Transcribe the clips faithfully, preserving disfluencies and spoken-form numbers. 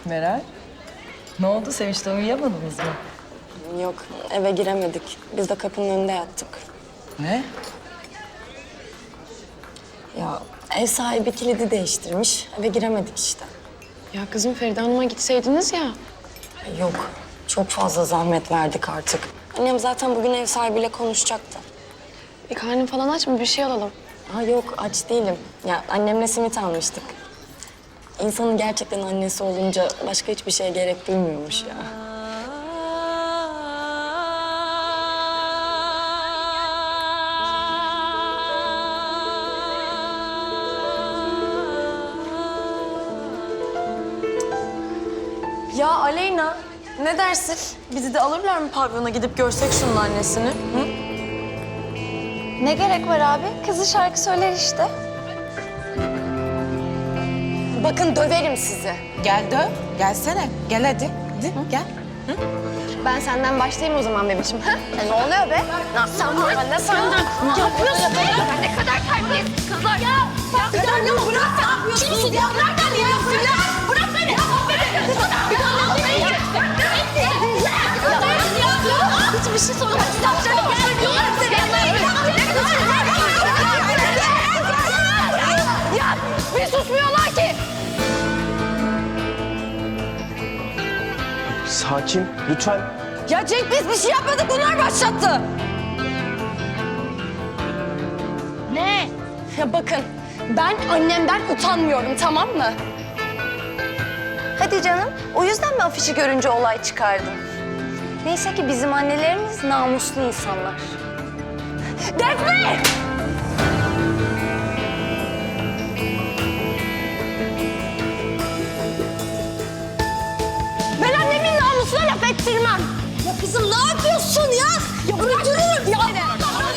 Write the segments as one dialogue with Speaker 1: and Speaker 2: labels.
Speaker 1: Meral, ne oldu? Sevinç'te uyuyamadınız mı?
Speaker 2: Yok, eve giremedik. Biz de kapının önünde yattık.
Speaker 1: Ne?
Speaker 2: Ya ev sahibi kilidi değiştirmiş. Eve giremedik işte.
Speaker 3: Ya kızım Feride Hanım'a gitseydiniz ya.
Speaker 2: Yok, çok fazla zahmet verdik artık. Annem zaten bugün ev sahibiyle konuşacaktı.
Speaker 3: Bir karnın falan aç mı? Bir şey alalım.
Speaker 2: Ha yok, aç değilim. Ya annemle simit almıştık. İnsanın gerçekten annesi olunca başka hiçbir şeye gerek duymuyormuş ya.
Speaker 4: Ya Aleyna, ne dersin? Bizi de alırlar mı pavyona gidip görsek şunun annesini? Hı?
Speaker 5: Ne gerek var abi? Kızı şarkı söyler işte.
Speaker 2: Bakın döverim sizi.
Speaker 6: Gel dön. Gelsene. Gel hadi. Hadi gel.
Speaker 5: Ben senden başlayayım o zaman bebişim. Ha? Ya ne oluyor be? Ne yapıyorsun? Ben de sen ne yapıyorsun be? Ne kadar terbiyesiz kızlar. Ya, ya, ya, ya bırak. Ne yapıyorsun? Ya bırak beni ya. Bırak, bırak beni. Bir daha hiçbir şey sormak istemiyorum. Ya bir susmuyorlar ki.
Speaker 7: Sakin, lütfen.
Speaker 4: Ya Cenk biz bir şey yapmadık, bunlar başlattı.
Speaker 5: Ne?
Speaker 4: Ya bakın, ben annemden utanmıyorum, tamam mı?
Speaker 5: Hadi canım. O yüzden mi afişi görünce olay çıkardın? Neyse ki bizim annelerimiz namuslu insanlar.
Speaker 4: Defne! Ben annemin namusuna laf ettirmem. Ya kızım ne yapıyorsun ya? Ya öldürürüm ya. Ne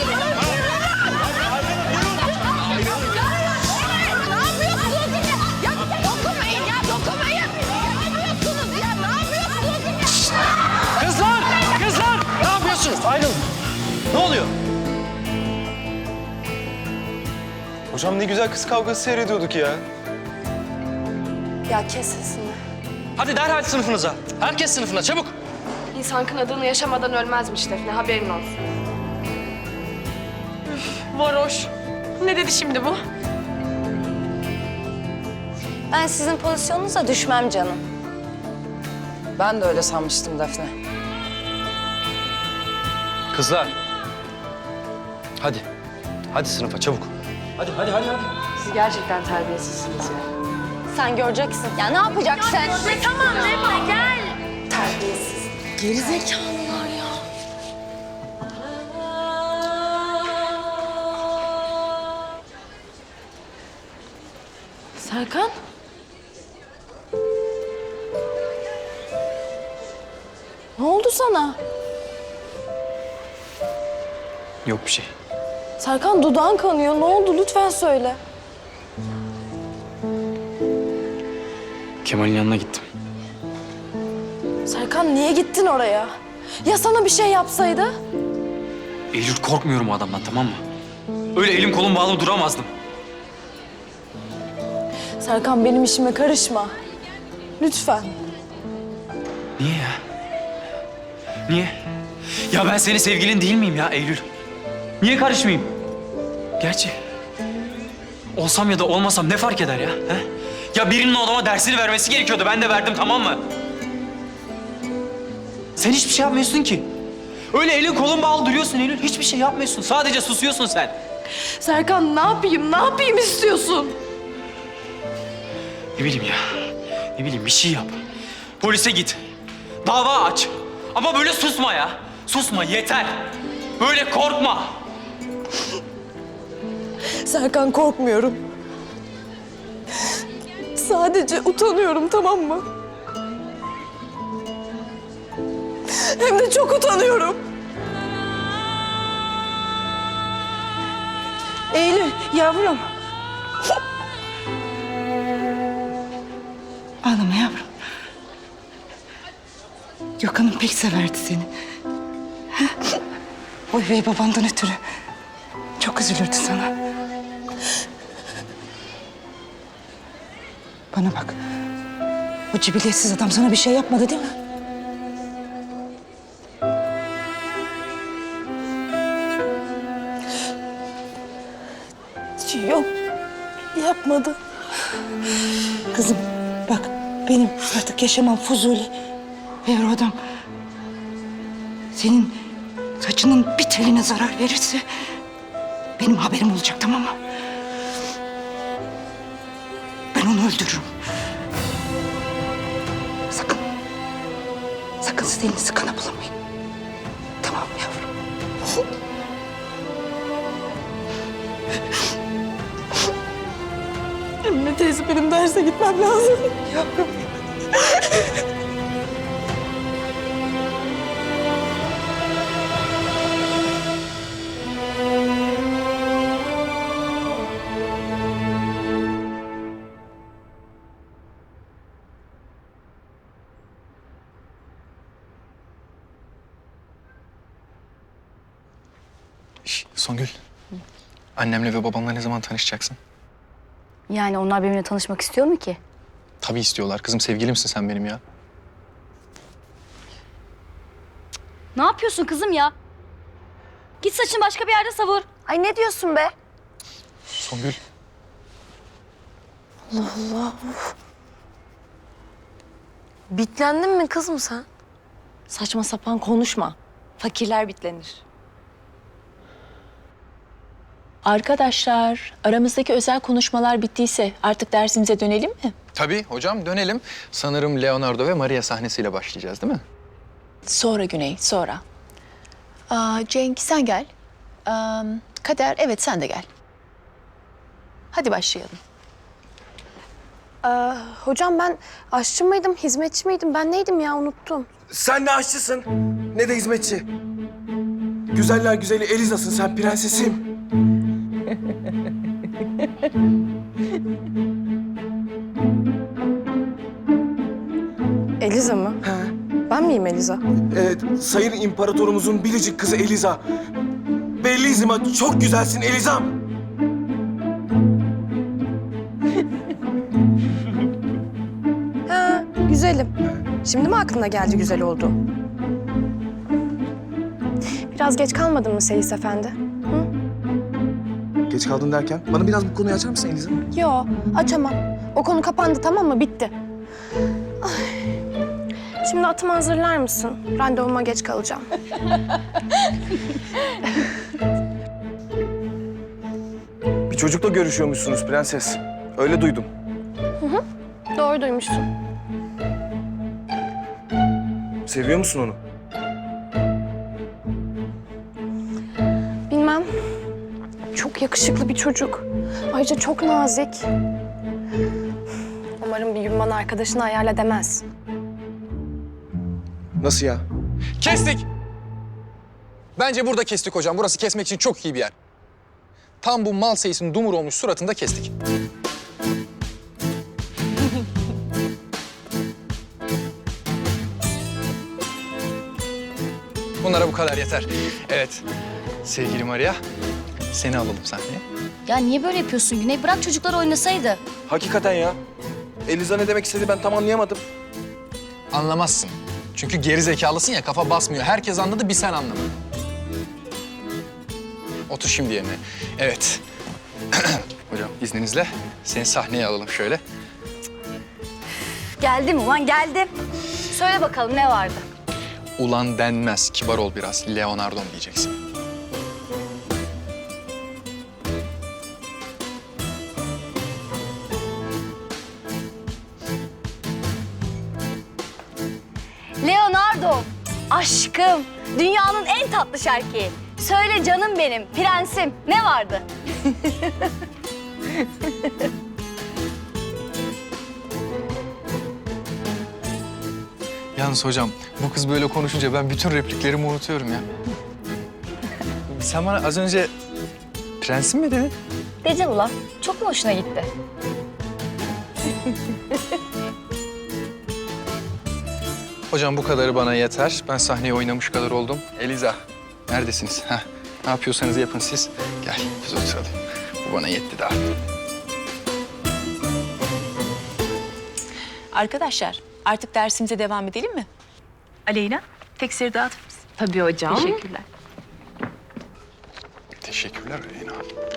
Speaker 4: yapıyorsunuz? Ya dokunmayın ya, dokunmayın. Ne yapıyorsunuz ya? Ne yapıyorsunuz?
Speaker 7: Kızlar! Kızlar! Ne yapıyorsunuz? Ayrılın. Ne oluyor? Hocam ne güzel kız kavgası seyrediyorduk ya.
Speaker 2: Ya kes sesini.
Speaker 8: Hadi derhal sınıfınıza. Herkes sınıfına çabuk.
Speaker 3: İnsan kınadığını yaşamadan ölmezmiş Defne, haberin olsun.
Speaker 4: Varoş. Ne dedi şimdi bu?
Speaker 5: Ben sizin pozisyonunuza düşmem canım.
Speaker 1: Ben de öyle sanmıştım Defne.
Speaker 8: Kızlar. Hadi. Hadi sınıfa çabuk. Hadi hadi hadi hadi.
Speaker 3: Siz gerçekten terbiyesizsiniz ya.
Speaker 2: Sen göreceksin.
Speaker 5: Ya ne yapacaksın?
Speaker 4: Tamam Defne gel.
Speaker 2: Terbiyesiz.
Speaker 4: Gerizekalılar ya. Serkan? Ne oldu sana?
Speaker 8: Yok bir şey.
Speaker 4: Serkan dudağın kanıyor. Ne oldu? Lütfen söyle.
Speaker 8: Kemal'in yanına gittim.
Speaker 4: Serkan niye gittin oraya? Ya sana bir şey yapsaydı?
Speaker 8: Eylül korkmuyorum o adamdan, tamam mı? Öyle elim kolum bağlı duramazdım.
Speaker 4: Serkan benim işime karışma. Lütfen.
Speaker 8: Niye ya? Niye? Ya ben senin sevgilin değil miyim ya Eylül? Niye karışmayayım? Gerçi olsam ya da olmasam ne fark eder ya? He? Ya birinin o adama dersini vermesi gerekiyordu. Ben de verdim, tamam mı? Sen hiçbir şey yapmıyorsun ki. Öyle elin kolun bağlı duruyorsun Eylül. Hiçbir şey yapmıyorsun. Sadece susuyorsun sen.
Speaker 4: Serkan ne yapayım? Ne yapayım istiyorsun?
Speaker 8: Ne bileyim ya. Ne bileyim bir şey yap. Polise git. Dava aç. Ama böyle susma ya. Susma yeter. Böyle korkma.
Speaker 4: Serkan korkmuyorum. Sadece utanıyorum, tamam mı? Hem de çok utanıyorum. Eylül, yavrum.
Speaker 6: Ağlama yavrum. Gökhan'ım pek severdi seni. Ha? O üvey babandan ötürü. Çok üzülürdü sana. Bana bak. O cibiliyetsiz adam sana bir şey yapmadı değil mi?
Speaker 1: Yok, yapmadı.
Speaker 6: Kızım bak benim artık yaşamam fuzuli. Eğer o adam senin saçının bir teline zarar verirse benim haberim olacak, tamam mı? Ben onu öldürürüm. Sakın, sakın siz elinizi kana bulamayın. Tamam mı yavrum?
Speaker 1: Emine teyze benim derse gitmem lazım.
Speaker 6: Yavrum.
Speaker 9: Şş, Songül. Annemle ve babamla ne zaman tanışacaksın?
Speaker 5: Yani onlar benimle tanışmak istiyor mu ki?
Speaker 9: Tabii istiyorlar. Kızım sevgilimsin sen benim ya.
Speaker 5: Ne yapıyorsun kızım ya? Git saçını başka bir yerde savur.
Speaker 4: Ay ne diyorsun be?
Speaker 9: Songül.
Speaker 2: Bitlendin mi kızım sen?
Speaker 1: Saçma sapan konuşma. Fakirler bitlenir.
Speaker 10: Arkadaşlar, aramızdaki özel konuşmalar bittiyse artık dersimize dönelim mi?
Speaker 9: Tabii hocam dönelim. Sanırım Leonardo ve Maria sahnesiyle başlayacağız değil mi?
Speaker 10: Sonra Güney, sonra. Aa, Cenk sen gel. Aa, Kader, evet sen de gel. Hadi başlayalım.
Speaker 4: Ee, hocam ben aşçı mıydım, hizmetçi miydim? Ben neydim ya unuttum.
Speaker 7: Sen ne aşçısın ne de hizmetçi. Güzeller güzeli Eliza'sın sen, prensesim.
Speaker 4: Eliza mı?
Speaker 7: He.
Speaker 4: Ben miyim Eliza?
Speaker 7: Evet, sayın imparatorumuzun biricik kızı Eliza. Bellissima, çok güzelsin Elizam.
Speaker 4: Ha, güzelim. Şimdi mi aklına geldi güzel oldu? Biraz geç kalmadın mı Seyis Efendi?
Speaker 7: Geç kaldın derken, bana biraz bu konuyu açar mısın Eliza?
Speaker 4: Yo, açamam. O konu kapandı tamam mı? Bitti. Ay. Şimdi atımı hazırlar mısın? Randevuma geç kalacağım.
Speaker 7: Bir çocukla görüşüyormuşsunuz prenses. Öyle duydum.
Speaker 4: Doğru duymuşsun.
Speaker 7: Seviyor musun onu?
Speaker 4: Bilmem. Çok yakışıklı bir çocuk. Ayrıca çok nazik. Umarım bir gün bana arkadaşını ayarla demez.
Speaker 7: Nasıl ya?
Speaker 9: Kestik. Bence burada kestik hocam. Burası kesmek için çok iyi bir yer. Tam bu mal seyisinin dumur olmuş suratında kestik. Bunlara bu kadar yeter. Evet. Sevgili Maria, seni alalım sahneye.
Speaker 5: Ya niye böyle yapıyorsun Güney? Bırak çocuklar oynasaydı.
Speaker 7: Hakikaten ya. Eliza ne demek istedi ben tam anlayamadım.
Speaker 9: Anlamazsın. Çünkü geri zekalısın ya, kafa basmıyor. Herkes anladı, bir sen anlamadın. Otur şimdi yerine. Evet. Hocam izninizle seni sahneye alalım şöyle.
Speaker 5: Geldim ulan geldim. Söyle bakalım ne vardı?
Speaker 9: Ulan denmez, kibar ol biraz. Leonardo'm diyeceksin.
Speaker 5: Leonardo, aşkım, dünyanın en tatlı şarkıyı. Söyle canım benim, prensim, ne vardı?
Speaker 9: Yalnız hocam, bu kız böyle konuşunca ben bütün repliklerimi unutuyorum ya. Sen bana az önce prensim mi dedin?
Speaker 5: Dedim ulan, çok mu hoşuna gitti?
Speaker 9: Hocam bu kadarı bana yeter. Ben sahneye oynamış kadar oldum. Eliza, neredesiniz? Heh, ne yapıyorsanız yapın siz. Gel, biz oturalım. Bu bana yetti daha.
Speaker 10: Arkadaşlar, Artık dersimize devam edelim mi? Aleyna, teksiri dağıtır mısın?
Speaker 3: Tabii hocam.
Speaker 10: Teşekkürler.
Speaker 9: Teşekkürler Aleyna.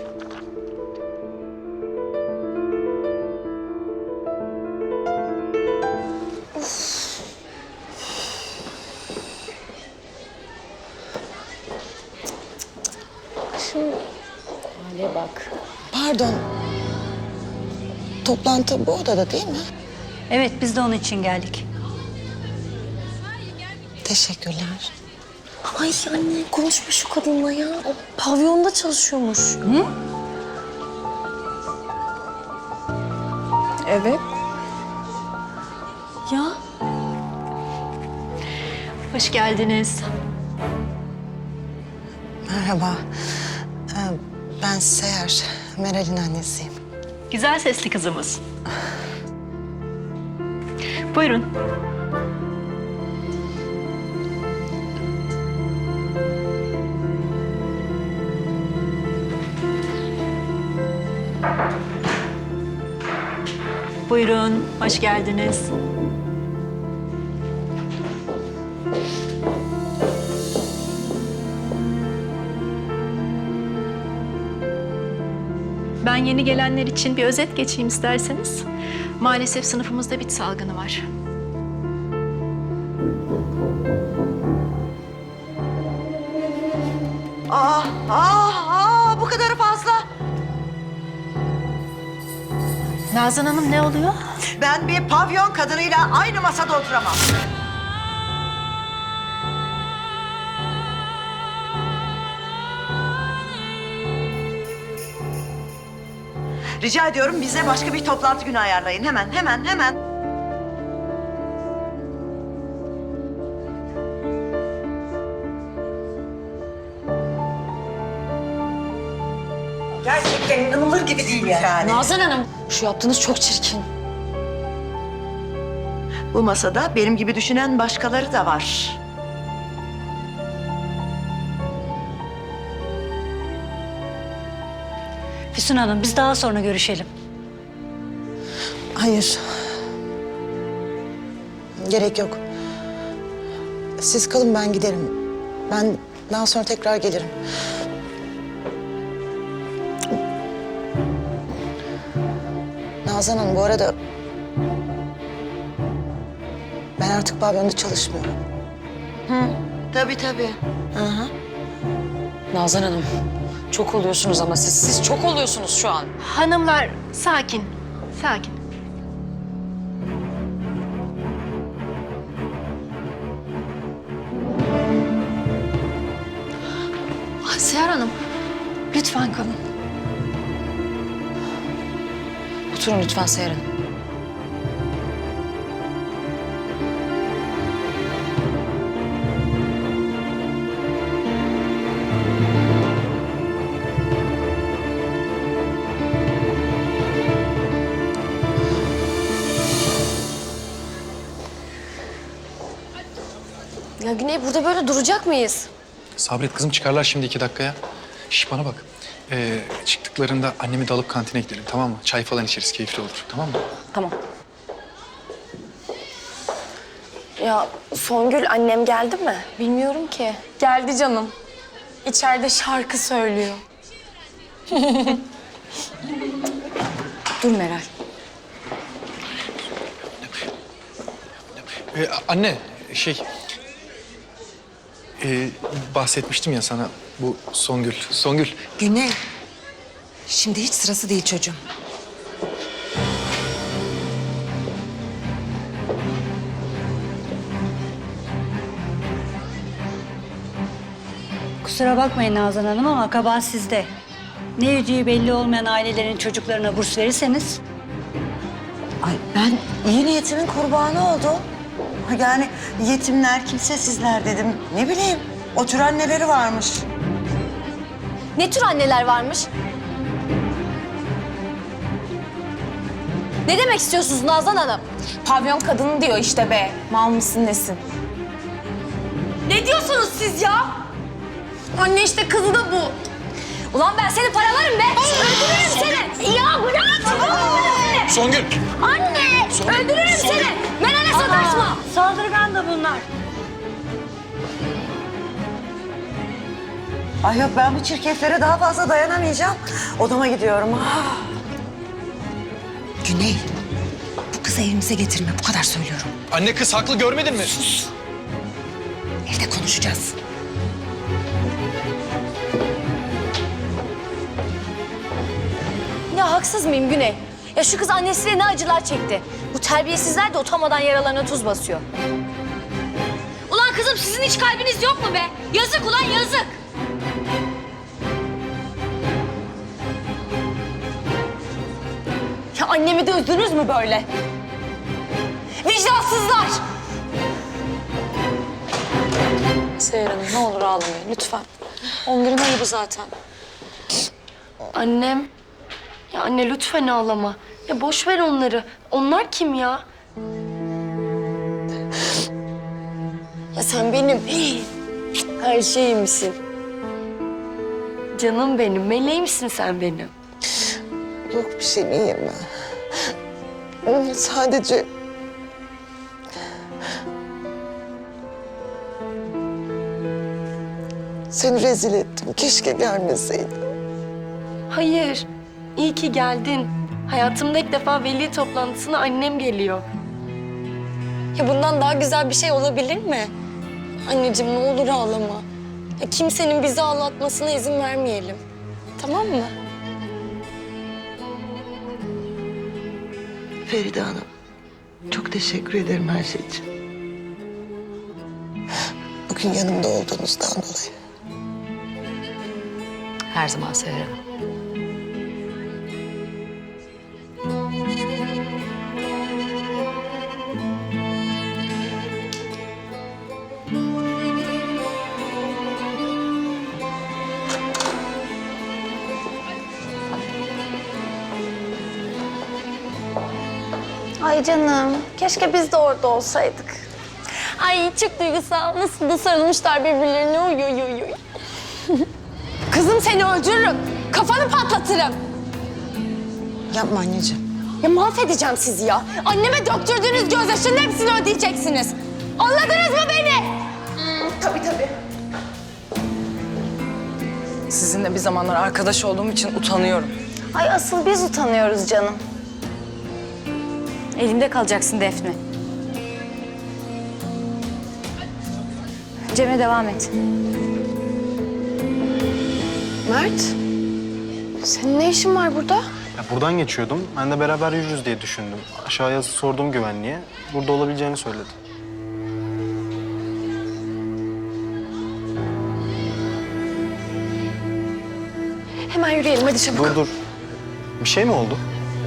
Speaker 6: Pardon. Toplantı bu odada değil mi?
Speaker 1: Evet, biz de onun için geldik.
Speaker 6: Teşekkürler.
Speaker 2: Ay anne konuşma şu kadınla ya. O pavyonda çalışıyormuş. Hı? Evet. Ya
Speaker 10: Hoş geldiniz.
Speaker 6: Merhaba. Ee, Ben Seher, Meral'in annesiyim.
Speaker 10: Güzel sesli kızımız. Buyurun. Buyurun, hoş geldiniz. Ben yeni gelenler için bir özet geçeyim isterseniz. Maalesef sınıfımızda bit salgını var.
Speaker 6: Aa, aa, aa, bu kadarı fazla.
Speaker 10: Nazan Hanım ne oluyor?
Speaker 6: Ben bir pavyon kadınıyla aynı masada oturamam. Rica ediyorum bize başka bir toplantı günü ayarlayın. Hemen, hemen, hemen. Gerçekten inanılır gibi değil yani.
Speaker 2: Nazan Hanım şu yaptığınız çok çirkin.
Speaker 6: Bu masada benim gibi düşünen başkaları da var.
Speaker 1: Füsun Hanım, biz daha sonra görüşelim.
Speaker 11: Hayır. Gerek yok. Siz kalın, ben giderim. Ben daha sonra tekrar gelirim. Nazan Hanım, bu arada ben artık pavyonda çalışmıyorum.
Speaker 6: Hı, tabii tabii.
Speaker 11: Hı hı.
Speaker 2: Nazan Hanım çok oluyorsunuz ama siz. Siz çok oluyorsunuz şu an.
Speaker 4: Hanımlar sakin, sakin.
Speaker 2: Ah, Seher Hanım lütfen kalın. Oturun lütfen Seher Hanım. Ya Güney burada böyle duracak mıyız?
Speaker 9: Sabret kızım, çıkarlar şimdi iki dakikaya. Şş, bana bak. Ee, çıktıklarında annemi de alıp kantine gidelim, tamam mı? Çay falan içeriz, keyifli olur, tamam mı?
Speaker 2: Tamam.
Speaker 4: Ya Songül annem geldi mi?
Speaker 2: Bilmiyorum ki. Geldi canım. İçeride şarkı söylüyor. Dur Meral.
Speaker 9: Ee, anne, şey... Ee, bahsetmiştim ya sana bu Songül. Songül.
Speaker 11: Güney, şimdi hiç sırası değil çocuğum.
Speaker 1: Kusura bakmayın Nazan Hanım ama kabahat sizde. Ne yüceği belli olmayan ailelerin çocuklarına burs verirseniz...
Speaker 11: Ay ben iyi niyetimin kurbanı oldum. Yani yetimler, kimsesizler dedim. Ne bileyim, o tür anneleri varmış.
Speaker 2: Ne tür anneler varmış? Ne demek istiyorsunuz Nazan Hanım?
Speaker 4: Pavyon kadını diyor işte be. Mal mısın nesin?
Speaker 2: Ne diyorsunuz siz ya?
Speaker 4: Anne işte kızı da bu.
Speaker 2: Ulan ben seni paralarım be. Öldürürüm seni. Ya bırak.
Speaker 9: Songül.
Speaker 2: Anne. Öldürürüm seni. Ben anne
Speaker 5: sataşma.
Speaker 1: Saldırgan da bunlar.
Speaker 11: Ay yok, ben bu çirkeflere daha fazla dayanamayacağım. Odama gidiyorum. Ah.
Speaker 6: Güney, bu kızı evimize getirme. Bu kadar söylüyorum.
Speaker 9: Anne kız haklı, görmedin mi?
Speaker 6: Evde konuşacağız.
Speaker 5: Ya haksız mıyım Güney? Ya şu kız annesiyle ne acılar çekti. Bu terbiyesizler de utanmadan yaralarına tuz basıyor. Ulan kızım sizin hiç kalbiniz yok mu be? Yazık ulan yazık. Ya annemi de üzdünüz mü böyle? Vicdansızlar!
Speaker 2: Seher Hanım ne olur ağlamayın lütfen. Onların ayıbı zaten.
Speaker 3: Annem. Ya anne lütfen ağlama. Ya boş ver onları. Onlar kim ya?
Speaker 2: Ya sen benim her şeyimsin.
Speaker 3: Canım benim, meleğimsin sen benim.
Speaker 11: Yok bir şey iyiyim ben. Sadece... Seni rezil ettim. Keşke gelmeseydin.
Speaker 3: Hayır, iyi ki geldin. Hayatımda ilk defa veli toplantısına annem geliyor.
Speaker 2: Ya bundan daha güzel bir şey olabilir mi? Anneciğim ne olur ağlama. Ya kimsenin bizi ağlatmasına izin vermeyelim. Tamam mı?
Speaker 11: Feride Hanım, çok teşekkür ederim her şey için. Bugün yanımda olduğunuzdan dolayı.
Speaker 10: Her zaman Seher Hanım.
Speaker 4: Ay canım, keşke biz de orada olsaydık.
Speaker 2: Ay çok duygusal. Nasıl da sarılmışlar birbirlerine. Oy oy oy oy.
Speaker 5: Kızım seni öldürürüm. Kafanı patlatırım.
Speaker 11: Yapma anneciğim.
Speaker 5: Ya mahvedeceğim sizi ya. Anneme döktürdüğünüz gözyaşının hepsini ödeyeceksiniz. Anladınız mı beni?
Speaker 4: Tabii tabii.
Speaker 12: Sizinle bir zamanlar arkadaş olduğum için utanıyorum.
Speaker 4: Ay asıl biz utanıyoruz canım.
Speaker 5: Elimde kalacaksın Defne. Cem'e devam et.
Speaker 4: Mert, senin ne işin var burada?
Speaker 13: Ya buradan geçiyordum. Ben de beraber yürürüz diye düşündüm. Aşağıya sordum güvenliğe. Burada olabileceğini söyledi.
Speaker 4: Hemen yürüyelim hadi çabuk.
Speaker 13: Dur dur. Bir şey mi oldu?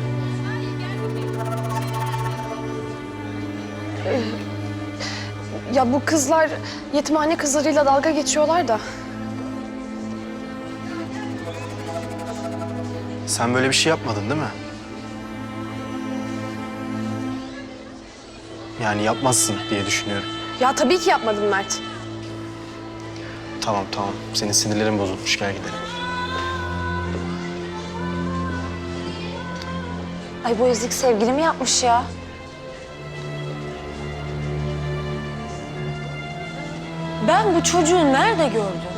Speaker 4: Ya bu kızlar yetimhane kızlarıyla dalga geçiyorlar da.
Speaker 13: Sen böyle bir şey yapmadın değil mi? Yani yapmazsın diye düşünüyorum.
Speaker 4: Ya tabii ki yapmadım Mert.
Speaker 13: Tamam tamam. Senin sinirlerin bozulmuş. Gel gidelim.
Speaker 5: Ay bu ezik sevgili mi yapmış ya? Ben bu çocuğu nerede gördüm?